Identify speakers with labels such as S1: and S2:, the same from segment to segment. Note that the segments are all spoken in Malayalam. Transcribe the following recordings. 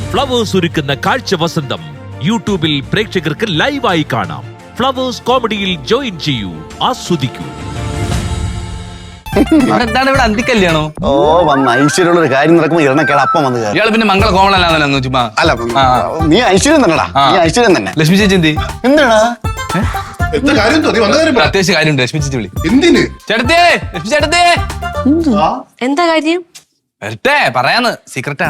S1: ഫ്ലവേഴ്സ് ഒരുക്കുന്ന കാഴ്ച വസന്തം യൂട്യൂബിൽ പ്രേക്ഷകർക്ക് ലൈവായി കാണാം. ഫ്ലവേഴ്സ് കോമഡിയിൽ ജോയിൻ ചെയ്യൂ, ആസ്വദിക്കൂ.
S2: എന്താണ് ഇവിടെ അന്തിക്കല്യാണോ?
S3: ഓ വന്ന ഐശ്വര്യമുള്ള ഒരു കാര്യം നടക്കുമ്പോ ഇരണക്കേട അപ്പം വന്ന് കയറി.
S2: ഇയാള് പിന്നെ മംഗള കോമളല്ലാന്നല്ലോ ചുമ്മാ.
S3: അല്ല നീ ഐശ്വര്യം തന്നെടാ, നീ ഐശ്വര്യം തന്നെ.
S2: ലക്ഷ്മി ചേച്ചി എന്തി?
S3: എന്താടാ
S2: അത്യാവശ്യ കാര്യമുണ്ട്, ലക്ഷ്മി ചേച്ചി വിളി.
S4: എന്തിന്?
S2: ചേട്ടത്തേ, ലക്ഷ്മി ചേട്ടത്തേ.
S5: എന്താ കാര്യം?
S2: വരട്ടെ പറയാന്ന്, സീക്രട്ടാ.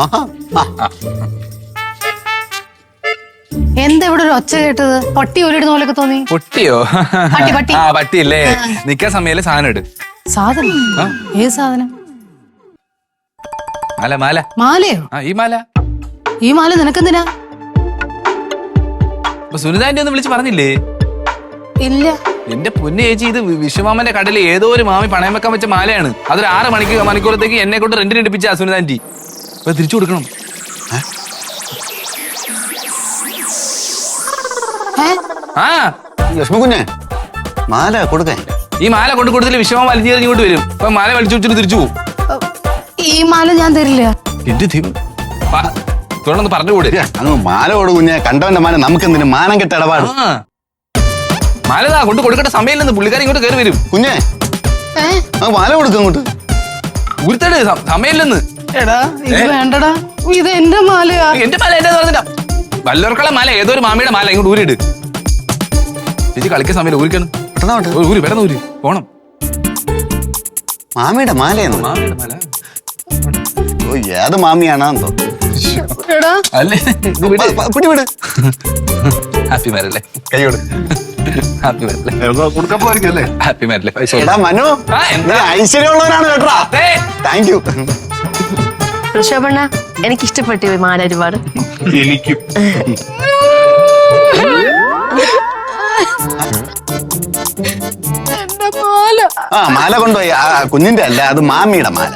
S6: എന്താ ഇവിടെ ഒരു ഒച്ച കേട്ടത്? പട്ടി ഒരിടുന്ന പോലൊക്കെ തോന്നി.
S2: പൊട്ടിയോ?
S6: പട്ടി.
S2: ആ പട്ടിയല്ലേ, നിക്കാൻ സമയല്ലേ സാധനം ഇട്.
S6: സാധനം? ഏത് സാധനം?
S2: മാല മാല.
S6: മാലയോ?
S2: ആ ഈ മാല.
S6: ഈ മാല നിനക്കെന്തിനാ?
S2: സുനിതാന്റെ ഒന്ന് വിളിച്ച് പറഞ്ഞില്ലേ?
S6: ഇല്ല.
S2: എന്റെ പൊന്നു ചേച്ചി, ഇത് വിശ്വമാമന്റെ കടയിൽ ഏതോ ഒരു മാമി പണയം വെക്കാൻ വെച്ച മാലയാണ്. അതൊരു 6 മണിക്കൂറത്തേക്ക് എന്നെ കൊണ്ട് റെന്റിന് എടുപ്പിച്ച സുനിതാന്റി. അപ്പൊ തിരിച്ചു കൊടുക്കണം. ആ
S3: ലക്ഷ്മി കുഞ്ഞെ മാല കൊടുക്കേ.
S2: ഈ മാല കൊണ്ട് കൊടുത്തില്ല വിശ്വമാമ വലിഞ്ഞു ഇങ്ങോട്ട് വരും. അപ്പൊ മാല വലിച്ചു വെച്ചിട്ട് തിരിച്ചു പോകും.
S6: ഈ മാല ഞാൻ തരില്ല.
S2: എന്റെ തുറന്നൊന്ന് പറഞ്ഞുകൂടെ?
S3: അങ്ങ് മാല കൊടു കുഞ്ഞെ, കണ്ടവന്റെ മാല നമുക്ക് എന്തിനു? മാനം കെട്ട ഇടപാട്.
S2: മാലതാ കൊണ്ട് കൊടുക്കേണ്ട സമയമില്ലെന്ന് പുള്ളിക്കാരി ഇങ്ങോട്ട് കയറി വരും.
S3: കുഞ്ഞെ മാല കൊടുക്ക അങ്ങോട്ട്.
S2: ഊർത്തേട് സമയമില്ലെന്ന്.
S6: എടാ ഇത് വേണ്ടടാ, ഇത് എന്റെ മാലയാ.
S2: എന്റെ മാല എന്റെ പറഞ്ഞില്ല, വല്ലവർക്കുള്ള മാല ഏതോ ഒരു മാമിയുടെ മാല ഇങ്ങോട്ട് ഊരിട്. ചേച്ചി കളിക്കാൻ സമയം ഊരിക്കണം. ഊരി പെട്ടെന്ന് ഊരി പോണം.
S3: മാമിയുടെ മാലയെന്ന്?
S2: മാമിയുടെ മാല.
S3: ഓ ഏത് മാമിയാണെന്തോ.
S2: അല്ലേ
S3: പിടി വിട്.
S2: ഹാപ്പി മാരല്ലേ?
S3: കൈ കൊടു.
S2: ഹാപ്പി മാരല്ലേ?
S4: കൊടുക്കാൻ പോയിരിക്കല്ലേ?
S2: ഹാപ്പി മാരല്ലേ?
S3: എടാ മനു, ഐശ്വര്യമുള്ളവരാണ് കേട്ടോ. Thank you.
S5: ഋഷഭണ്ണ, എനിക്ക് ഇഷ്ടപ്പെട്ടു മാല ഒരുപാട്.
S4: എനിക്കും.
S6: എന്റെ മാല.
S3: ആ മാല കൊണ്ടുപോയി. ആ കുഞ്ഞിന്റെ അല്ല, അത് മാമിയുടെ മാല.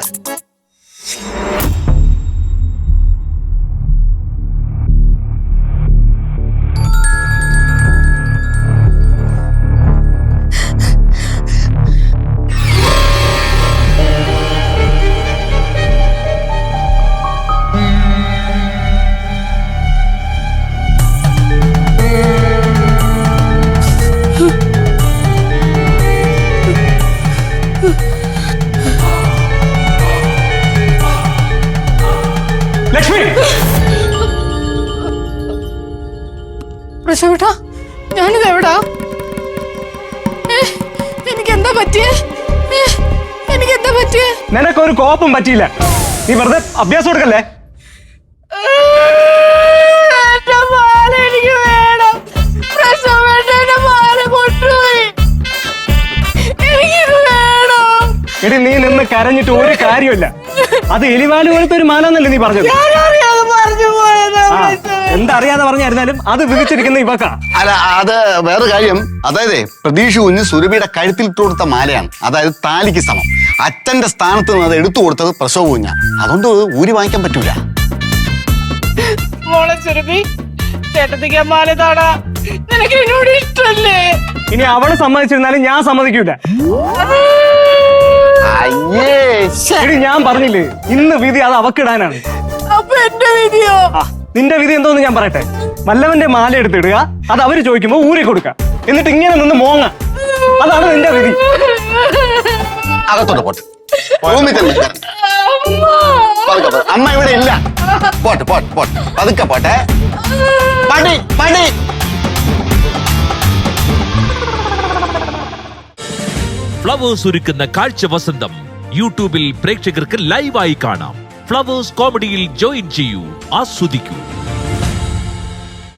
S4: ലക്ഷ്മി,
S6: ഋഷഭേട്ടാ, ഞാനിത് എവിടാ? എനിക്കെന്താ പറ്റിയേ? എനിക്കെന്താ പറ്റിയേ?
S4: നിനക്കൊരു കോപ്പും പറ്റിയില്ല. നീ വെറുതെ അഭ്യാസം കൊടുക്കല്ലേ.
S6: എന്റെ മാല എനിക്ക് വേണം. ഋഷഭേട്ടന്റെ മാല കൊണ്ടുപോയി. എനിക്കിത് വേണം.
S4: എടി നീ നിന്ന് കരഞ്ഞിട്ട് ഒരു കാര്യമില്ല. അത് എലിവാല് പോലത്തെ ഒരു മാല എന്നല്ലേ നീ പറഞ്ഞത്?
S6: ഞാനറിയാതെ പറഞ്ഞു പോയതാ.
S4: എന്തറിയാതെ പറഞ്ഞായിരുന്നാലും അത് വിധിച്ചിരിക്കുന്ന ഇവക്കാ.
S3: അല്ല അത് വേറെ കാര്യം. അതായത് പ്രതീക്ഷ കുഞ്ഞ് സുരഭിയുടെ കഴുത്തിൽ ഇട്ട് കൊടുത്ത മാലയാണ്. അതായത് താലിക്ക് സമം. അച്ഛന്റെ സ്ഥാനത്ത് നിന്ന് അത് എടുത്തു കൊടുത്തത് പ്രസവ കുഞ്ഞ. അതുകൊണ്ട് ഊരി വാങ്ങിക്കാൻ പറ്റൂല.
S6: മോളെ സുരഭി, ചേട്ടത്തിക്ക് മാല താടാ. നിനക്ക് എന്നോട് ഇഷ്ടല്ലേ?
S4: ഇനി അവള് സമ്മതിച്ചിരുന്നാലും ഞാൻ സമ്മതിക്കൂല.
S3: അയ്യേ
S4: എടി ഞാൻ പറഞ്ഞില്ലേ, ഇന്ന് വിധി അത് അവക്കിടാനാണ്.
S6: അപ്പൊ എന്റെ വിധിയോ?
S4: നിന്റെ വിധി എന്തോന്ന് ഞാൻ പറയട്ടെ. വല്ലവന്റെ മാല എടുത്തിടുക, അത് അവര് ചോദിക്കുമ്പോ ഊരി കൊടുക്കുക, എന്നിട്ട് ഇങ്ങനെ നിന്ന് മോങ്ങ. അതാണ് നിന്റെ വിധി.
S3: അകത്തോട്ട് പോട്ടെ. റൂമിൽ തന്നെ അമ്മ ഇവിടെ ഇല്ല. പോട്ടെ പോട്ടെ പോട്ടെ, പതുക്കെ പോട്ടെ. പടി പടി.
S1: ഫ്ലവേഴ്സ് ഒരുക്കുന്ന കാഴ്ച വസന്തം യൂട്യൂബിൽ പ്രേക്ഷകർക്ക് ലൈവായി കാണാം. ഫ്ലവേഴ്സ് കോമഡിയിൽ ജോയിൻ ചെയ്യൂ, ആസ്വദിക്കൂ.